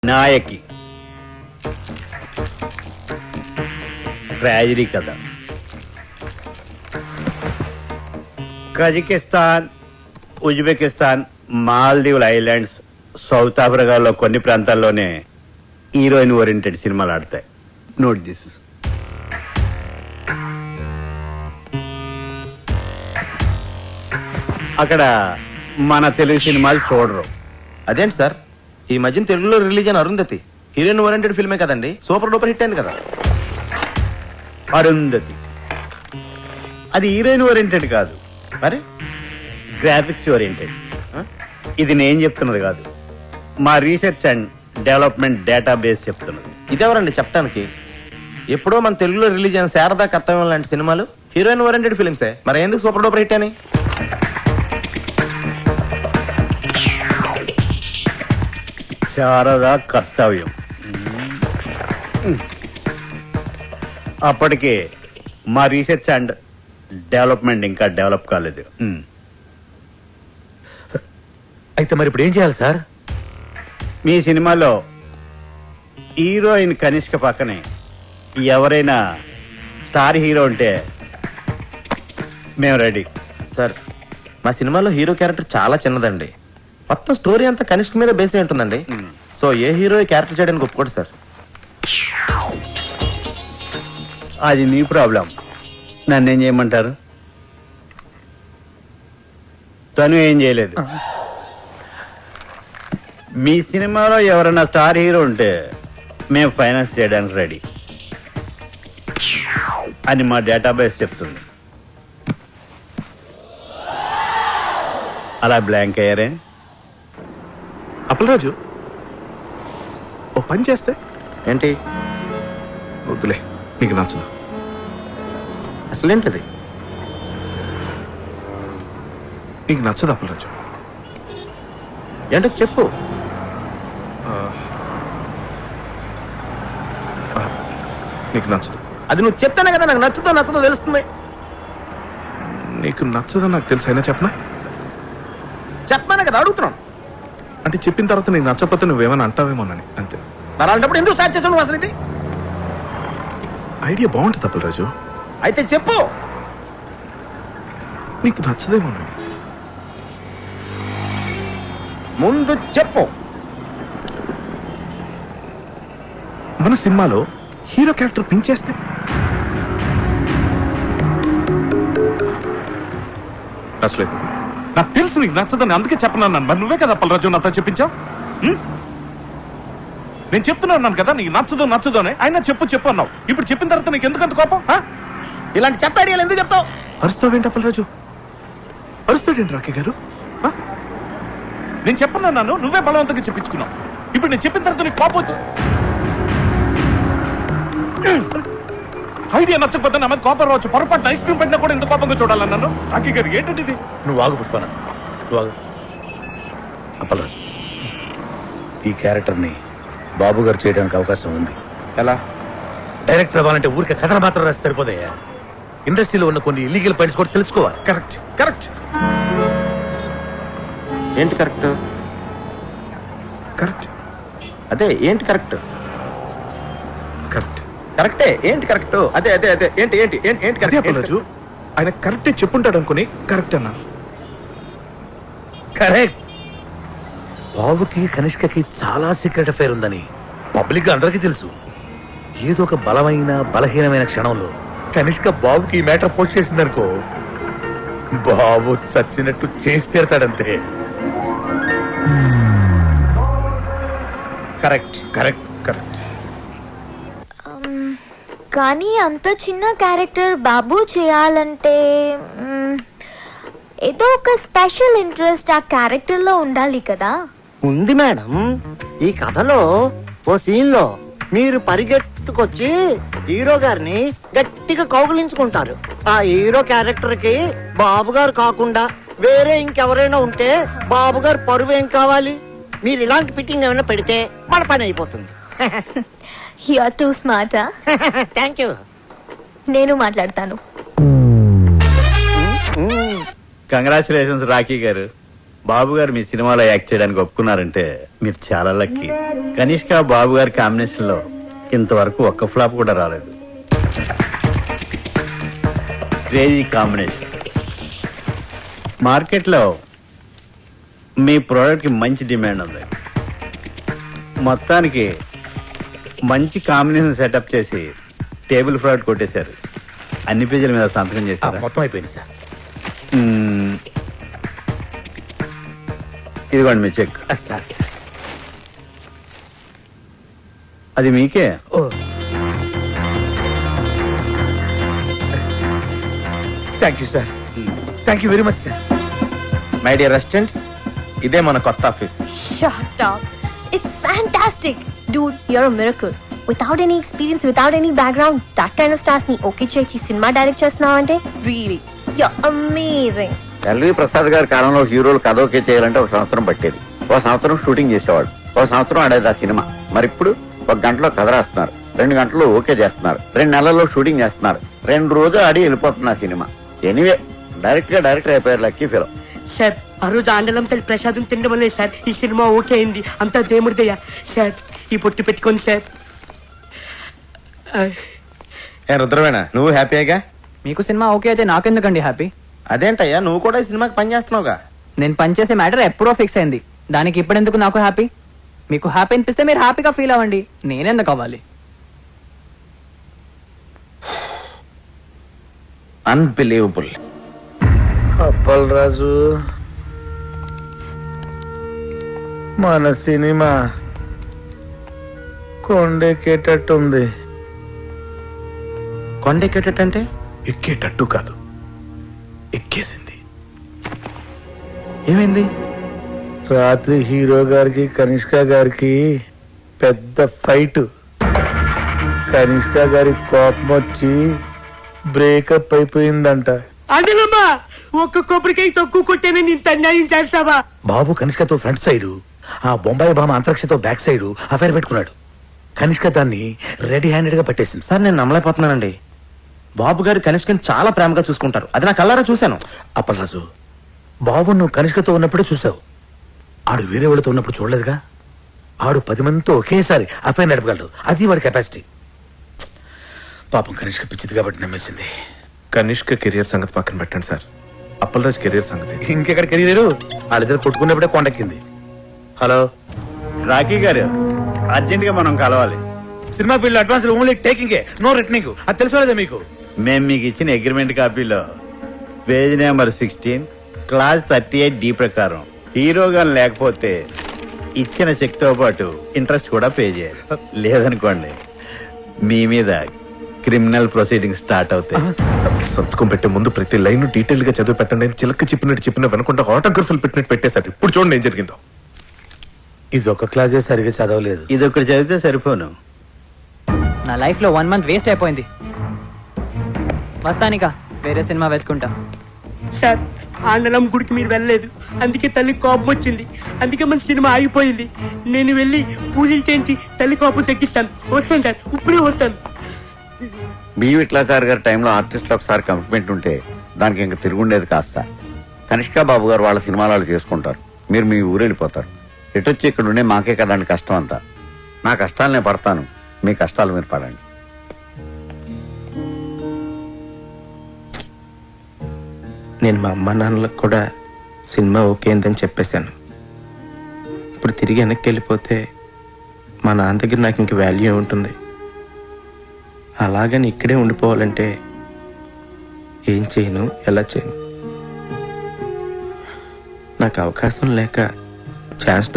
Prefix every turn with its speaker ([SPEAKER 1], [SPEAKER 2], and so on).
[SPEAKER 1] నాయకి tragedy కథ. Kazakhstan, Uzbekistan, మాల్దీవుల islands, south ఆఫ్రికాలో కొన్ని ప్రాంతాల్లోనే హీరోయిన్ ఓరియంటెడ్ సినిమాలు ఆడతాయి. Note this. అక్కడ మన తెలుగు సినిమాలు చూడరు.
[SPEAKER 2] అదేంటి సార్, ఈ మధ్యన తెలుగులో రిలీజ్ అయిన అరుంధతి హీరోయిన్ ఓరియంటెడ్ ఫిల్మే కదండి, సూపర్ డూపర్ హిట్ అయింది కదా.
[SPEAKER 1] అరుంధతి అది హీరోయిన్ ఓరియంటెడ్ కాదు,
[SPEAKER 2] మరి
[SPEAKER 1] గ్రాఫిక్స్ ఓరియంటెడ్. ఇది నేను చెప్తున్నది కాదు, మా రీసెర్చ్ అండ్ డెవలప్మెంట్ డేటాబేస్ చెప్తున్నది.
[SPEAKER 2] ఇదెవరండి చెప్పడానికి? ఎప్పుడో మన తెలుగులో రిలీజ్ అయిన శారదా కర్తవ్యం లాంటి సినిమాలు హీరోయిన్ ఓరియంటెడ్ ఫిల్మ్సే, మరి ఎందుకు సూపర్ డూపర్ హిట్ అని?
[SPEAKER 1] శారదా కర్తవ్యం అప్పటికే మా రీసెర్చ్ అండ్ డెవలప్మెంట్ ఇంకా డెవలప్ కాలేదు.
[SPEAKER 3] అయితే మరి ఇప్పుడు ఏం చేయాలి సార్?
[SPEAKER 1] మీ సినిమాలో హీరోయిన్ కనిష్క పక్కనే ఎవరైనా స్టార్ హీరో ఉంటే మేము రెడీ.
[SPEAKER 2] సార్, మా సినిమాలో హీరో క్యారెక్టర్ చాలా చిన్నదండి, మొత్తం స్టోరీ అంతా కనిష్క మీద బేస్ అయి ఉంటుందండి. సో ఏ హీరో క్యారెక్టర్ చేయడానికి ఒప్పుకోడు సార్.
[SPEAKER 1] అది మీ ప్రాబ్లం, నన్నేం చేయమంటారు? తను ఏం చేయలేదు. మీ సినిమాలో ఎవరైనా స్టార్ హీరో ఉంటే మేము ఫైనాన్స్ చేయడానికి రెడీ అని మా డేటాబేస్ చెప్తుంది. అలా బ్లాంక్ అయ్యారే?
[SPEAKER 3] అప్పలరాజు, ఓ పని చేస్తే
[SPEAKER 2] ఏంటి?
[SPEAKER 3] వద్దులే, నీకు నచ్చదు.
[SPEAKER 2] అసలేంటిది?
[SPEAKER 3] నీకు నచ్చదు అప్పలరాజు.
[SPEAKER 2] ఏంటో చెప్పు.
[SPEAKER 3] నీకు నచ్చదు.
[SPEAKER 2] అది నువ్వు చెప్తానే కదా నాకు నచ్చుతో నచ్చదో తెలుస్తుంది.
[SPEAKER 3] నీకు నచ్చదని నాకు తెలుసు, అయినా చెప్పనా?
[SPEAKER 2] చెప్పానే కదా అడుగుతున్నాను.
[SPEAKER 3] అంటే చెప్పిన తర్వాత నీకు నచ్చకపోతే నువ్వేమైనా అంటావేమోనని, అంతే.
[SPEAKER 2] మరి అలాంటప్పుడు ఎందుకు స్టార్ట్ చేసావు నువ్వు అసలు? ఇది
[SPEAKER 3] ఐడియా బాగుంటుంది అప్పలరాజు,
[SPEAKER 2] అయితే చెప్పు.
[SPEAKER 3] నీకు నచ్చదేమోనని.
[SPEAKER 2] ముందు చెప్పు.
[SPEAKER 3] మన సినిమాలో హీరో క్యారెక్టర్ పెంచేస్తే నచ్చలేదు. నాకు తెలుసు నీకు నచ్చదని, అందుకే చెప్పనన్నాను. మరి నువ్వే కదా అప్పలరాజు నాతో చెప్పించావు. నేను చెప్తున్నాను కదా నీకు నచ్చదు నచ్చదు అని. అయినా చెప్పు చెప్పు అన్నావు. ఇప్పుడు చెప్పిన తర్వాత నీకు ఎందుకంత కోపం?
[SPEAKER 2] ఇలాంటి చెత్త ఐడియాలు ఎందుకు చెప్తావు?
[SPEAKER 3] అరుస్తావేంటి అప్పలరాజు? అరుస్తాడేంటి రాకే గారు? నేను చెప్పనన్నాను, నువ్వే బలవంతంగా చెప్పించుకున్నావు. ఇప్పుడు నేను చెప్పిన తర్వాత నీకు కోపం వచ్చి ఐడియా నచ్చకపోతే నా మీద కోపం రావచ్చు. పొరపాటు ఐస్ క్రీమ్ పెట్టినా కూడా ఎంత కోపంగా చూడాలన్నాను. రాకే గారు ఏంటంటే ఇది?
[SPEAKER 4] నువ్వు ఆగు పుష్పన, నువ్వు ఆగు. అప్పలరాజు, ఈ క్యారెక్టర్ని బాబు గారు చేయడానికి అవకాశం ఉంది.
[SPEAKER 2] ఎలా?
[SPEAKER 4] డైరెక్టర్ అవ్వాలంటే ఊరికే కథలు మాత్రం రాసి సరిపోతాయా? ఇండస్ట్రీలో ఉన్న కొన్ని ఇల్లీగల్ పాయింట్స్ కూడా తెలుసుకోవాలి.
[SPEAKER 3] Correct correct.
[SPEAKER 2] ఏంటి కరెక్ట్?
[SPEAKER 3] కరెక్ట్
[SPEAKER 2] అదే ఏంటి కరెక్ట్?
[SPEAKER 3] కరెక్ట్
[SPEAKER 2] కరెక్టే. ఏంటి కరెక్ట్? అదే అదే అదే ఏంటి ఏంటి ఏంటి ఏంటి
[SPEAKER 3] అదే
[SPEAKER 2] కరెక్ట్?
[SPEAKER 3] అప్పలరాజు, ఆయన కరెక్టే చెప్పుంటాడు అనుకుని కరెక్ట్ అన్నాను.
[SPEAKER 4] కరెక్ట్. బాబుకి కనిష్కకి చాలా సీక్రెట్ అఫైర్ ఉందని పబ్లిక్ గా అందరికీ తెలుసు. ఏదో ఒక బలమైన బలహీనమైన క్షణంలో కనిష్క బాబుకి ఈ మ్యాటర్ పోస్ట్ చేసిందనుకో, బాబు చచ్చినట్టు చేసి తీరతాడంతే.
[SPEAKER 3] Correct correct correct.
[SPEAKER 5] కానీ అంత చిన్న క్యారెక్టర్ బాబు చేయాలంటే ఏదో ఒక స్పెషల్ ఇంట్రెస్ట్ ఆ క్యారెక్టర్లో ఉండాలి కదా.
[SPEAKER 6] ఉంది మేడం. ఈ కథలో ఓ సీన్ లో మీరు పరిగెత్తుకొచ్చి హీరో గారిని గట్టిగా కౌగిలించుకుంటారు. ఆ హీరో క్యారెక్టర్ కి బాబు గారు కాకుండా వేరే ఇంకెవరైనా ఉంటే బాబు గారు పరువు ఏం కావాలి? మీరు ఇలాంటి ఫిట్టింగ్ ఏమైనా పెడితే మన పని అయిపోతుంది.
[SPEAKER 5] You are too smart.
[SPEAKER 6] Thank you.
[SPEAKER 5] నేను మాట్లాడతాను.
[SPEAKER 1] కంగ్రాచులేషన్స్ రాఖీ గారు. బాబు గారు మీ సినిమాలో యాక్ట్ చేయడానికి ఒప్పుకున్నారంటే మీరు చాలా లక్కీ. కనిష్క బాబు గారి కాంబినేషన్ లో ఇంతవరకు ఒక్క ఫ్లాప్ కూడా రాలేదు. Crazy combination. మార్కెట్లో మీ ప్రోడక్ట్ కి మంచి డిమాండ్ ఉంది. మొత్తానికి మంచి కాంబినేషన్ సెటప్ చేసి టేబుల్ ఫ్రాడ్ కొట్టేశారు. అన్ని పేజీల మీద సంతకం చేశారు.
[SPEAKER 4] మొత్తం అయిపోయింది సార్.
[SPEAKER 1] ఇదిగోండి మీ చెక్.
[SPEAKER 4] సార్
[SPEAKER 1] అది మీకే.
[SPEAKER 4] Thank you sir. Thank you very much sir.
[SPEAKER 2] My dear residents, ఇదే మన కొత్త office.
[SPEAKER 5] Shut up. It's fantastic. Dude, you're a miracle. Without any experience, without any background, that kind of stars ni okay చేసి cinema direct చేస్తున్నావంటే really, you're amazing.
[SPEAKER 1] L V Prasad గారి కాలంలో హీరోలు కథ okay చేయాలంటే ఒక సంవత్సరం పట్టేది. ఒక సంవత్సరం షూటింగ్ చేసేవాడు. ఒక సంవత్సరం ఆడేది ఆ సినిమా. మరి ఇప్పుడు 1 గంటలో కథ రాస్తున్నారు, 2 గంటల్లో ఓకే చేస్తున్నారు, 2 నెలల్లో షూటింగ్ చేస్తున్నారు, 2 రోజులు ఆడి వెళ్ళిపోతున్న సినిమా. ఎనీవే డైరెక్టర్ అయిపోయారు. Lucky fellow.
[SPEAKER 7] సార్ ఆ రోజు ఆండలం తల్లి ప్రసాదం తినడం వల్లే సార్ ఈ సినిమా ఓకే అయింది. అంతా దేవుడిదయ్యా. సార్ ఈ పొట్టు పెట్టుకోండి సార్.
[SPEAKER 2] ఏ రుద్రవేణ, నువ్వు హ్యాపీగా?
[SPEAKER 8] మీకు సినిమా ఓకే అయితే నాకెందుకండి హ్యాపీ?
[SPEAKER 2] అదేంటయ్యా, నువ్వు కూడా ఈ సినిమాకి పని చేస్తున్నావుగా.
[SPEAKER 8] నేను పనిచేసే మ్యాటర్ ఎప్పుడో ఫిక్స్ అయింది. దానికి ఇప్పుడెందుకు నాకు హ్యాపీ? మీకు హ్యాపీ అనిపిస్తే మీరు హ్యాపీగా ఫీల్ అవ్వండి. నేనెందుకు అవ్వాలి?
[SPEAKER 2] అన్బిలీవబుల్.
[SPEAKER 4] అప్పల్ రాజు, మన సినిమా కొండెక్కేటట్టుంది.
[SPEAKER 2] కొండెక్కేటంటే
[SPEAKER 4] ఎక్కేటట్టు కాదు, ఎక్కేసింది.
[SPEAKER 2] ఏమైంది?
[SPEAKER 4] రాత్రి హీరో గారికి కనిష్క గారికి పెద్ద ఫైట్. కనిష్క గారి కోపం వచ్చి బ్రేకప్ అయిపోయిందంట.
[SPEAKER 7] ఆండలమ్మా, ఒక్క కొబ్బరికాయ తక్కువ కొట్టేనే ఇంత అన్యాయం చేస్తావా?
[SPEAKER 4] బాబు కనిష్కతో ఫ్రంట్ సైడ్, ఆ బొంబాయి భామ అంతరిక్షతో బ్యాక్ సైడ్ అఫైర్ పెట్టుకున్నాడు. కనిష్క దాన్ని రెడీ హ్యాండెడ్ గా పట్టేసింది.
[SPEAKER 2] సార్ నేను నమ్మలేకపోతున్నానండి. బాబు గారు కనిష్కని చాలా ప్రేమగా చూసుకుంటారు. అది నా కళ్ళారా చూశాను.
[SPEAKER 4] అప్పలరాజు, బాబు నువ్వు కనిష్కతో ఉన్నప్పుడే చూసావు. ఆడు వేరే వాళ్ళతో ఉన్నప్పుడు చూడలేదుగా. ఆడు 10 మందితో ఒకేసారి అఫైర్ నడపగలడు. అది వాడి కెపాసిటీ. పాపం కనిష్క పిచ్చిది కాబట్టి నమ్మేసింది.
[SPEAKER 3] కనిష్క కెరియర్ సంగతి పక్కన పెట్టండి సార్. అప్పలరాజ్ కెరియర్ సంగతి
[SPEAKER 4] ఇంకెక్కడ కెరీర్? వాళ్ళిద్దరు కొట్టుకున్నప్పుడే కొండెక్కింది. హలో
[SPEAKER 1] రాకీ గారు, అర్జెంట్ గా మనం కలవాలి.
[SPEAKER 4] Cinema field advance only taking, no returning. అది తెలుసుకోలేదా మీకు?
[SPEAKER 1] మేము మీకు ఇచ్చిన అగ్రిమెంట్ కాపీలో పేజ్ నెంబర్ 16 క్లాస్ 38D ప్రకారం హీరోగా లేకపోతే ఇచ్చిన చెక్ తో పాటు ఇంట్రెస్ట్ కూడా పే చేయాలి. లేదనుకోండి మీ మీద క్రిమినల్ ప్రొసీడింగ్ స్టార్ట్ అవుతాయి.
[SPEAKER 3] సంతకం పెట్టే ముందు ప్రతి లైన్ డీటెయిల్ గా చదివి పెట్టండి. చిలక చెప్పిన వెనకుండా ఆటోగ్రఫీలు పెట్టినట్టు పెట్టేశారు. ఇప్పుడు చూడండి ఏం జరిగిందో.
[SPEAKER 4] ఇది ఒక క్లాసే సరిగా చదవలేదు.
[SPEAKER 1] ఇది ఒకటి చదివితే సరిపోను.
[SPEAKER 8] నా లైఫ్ లో 1 మంత్ వేస్ట్ అయిపోయింది. వస్తానిక వేరే సినిమా వెతుకుంటా.
[SPEAKER 7] సార్ ఆండలం గుడికి మీరు వెళ్ళలేదు, అందుకే తల్లి కోపం వచ్చింది. అందుకే మన సినిమా ఆగిపోయింది. నేను వెళ్ళి పూజలు చేయించి తల్లి కోపం తగ్గిస్తాను. వస్తాను సార్, ఇప్పుడే వస్తాను.
[SPEAKER 1] బి విట్లాచారి గారి టైంలో ఆర్టిస్టులు ఒకసారి కమిట్మెంట్ ఉంటే దానికి ఇంకా తిరుగుండేది కాస్త. కనిష్క బాబు గారు వాళ్ళ సినిమాలు వాళ్ళు చేసుకుంటారు. మీరు మీ ఊరు వెళ్ళిపోతారు. ఎటొచ్చి ఇక్కడ ఉండే మాకే కదండి కష్టం అంతా. నా కష్టాలు నేను పడతాను, మీ కష్టాలు మీరు పడండి.
[SPEAKER 2] నేను మా అమ్మ నాన్నలకు కూడా సినిమా ఓకే అయిందని చెప్పేశాను. ఇప్పుడు తిరిగి వెనక్కి వెళ్ళిపోతే మా నాన్న దగ్గర నాకు ఇంక వాల్యూ ఉంటుంది. అలాగని ఇక్కడే ఉండిపోవాలంటే ఏం చేయను, ఎలా చేయను? నాకు అవకాశం లేక ఛాన్స్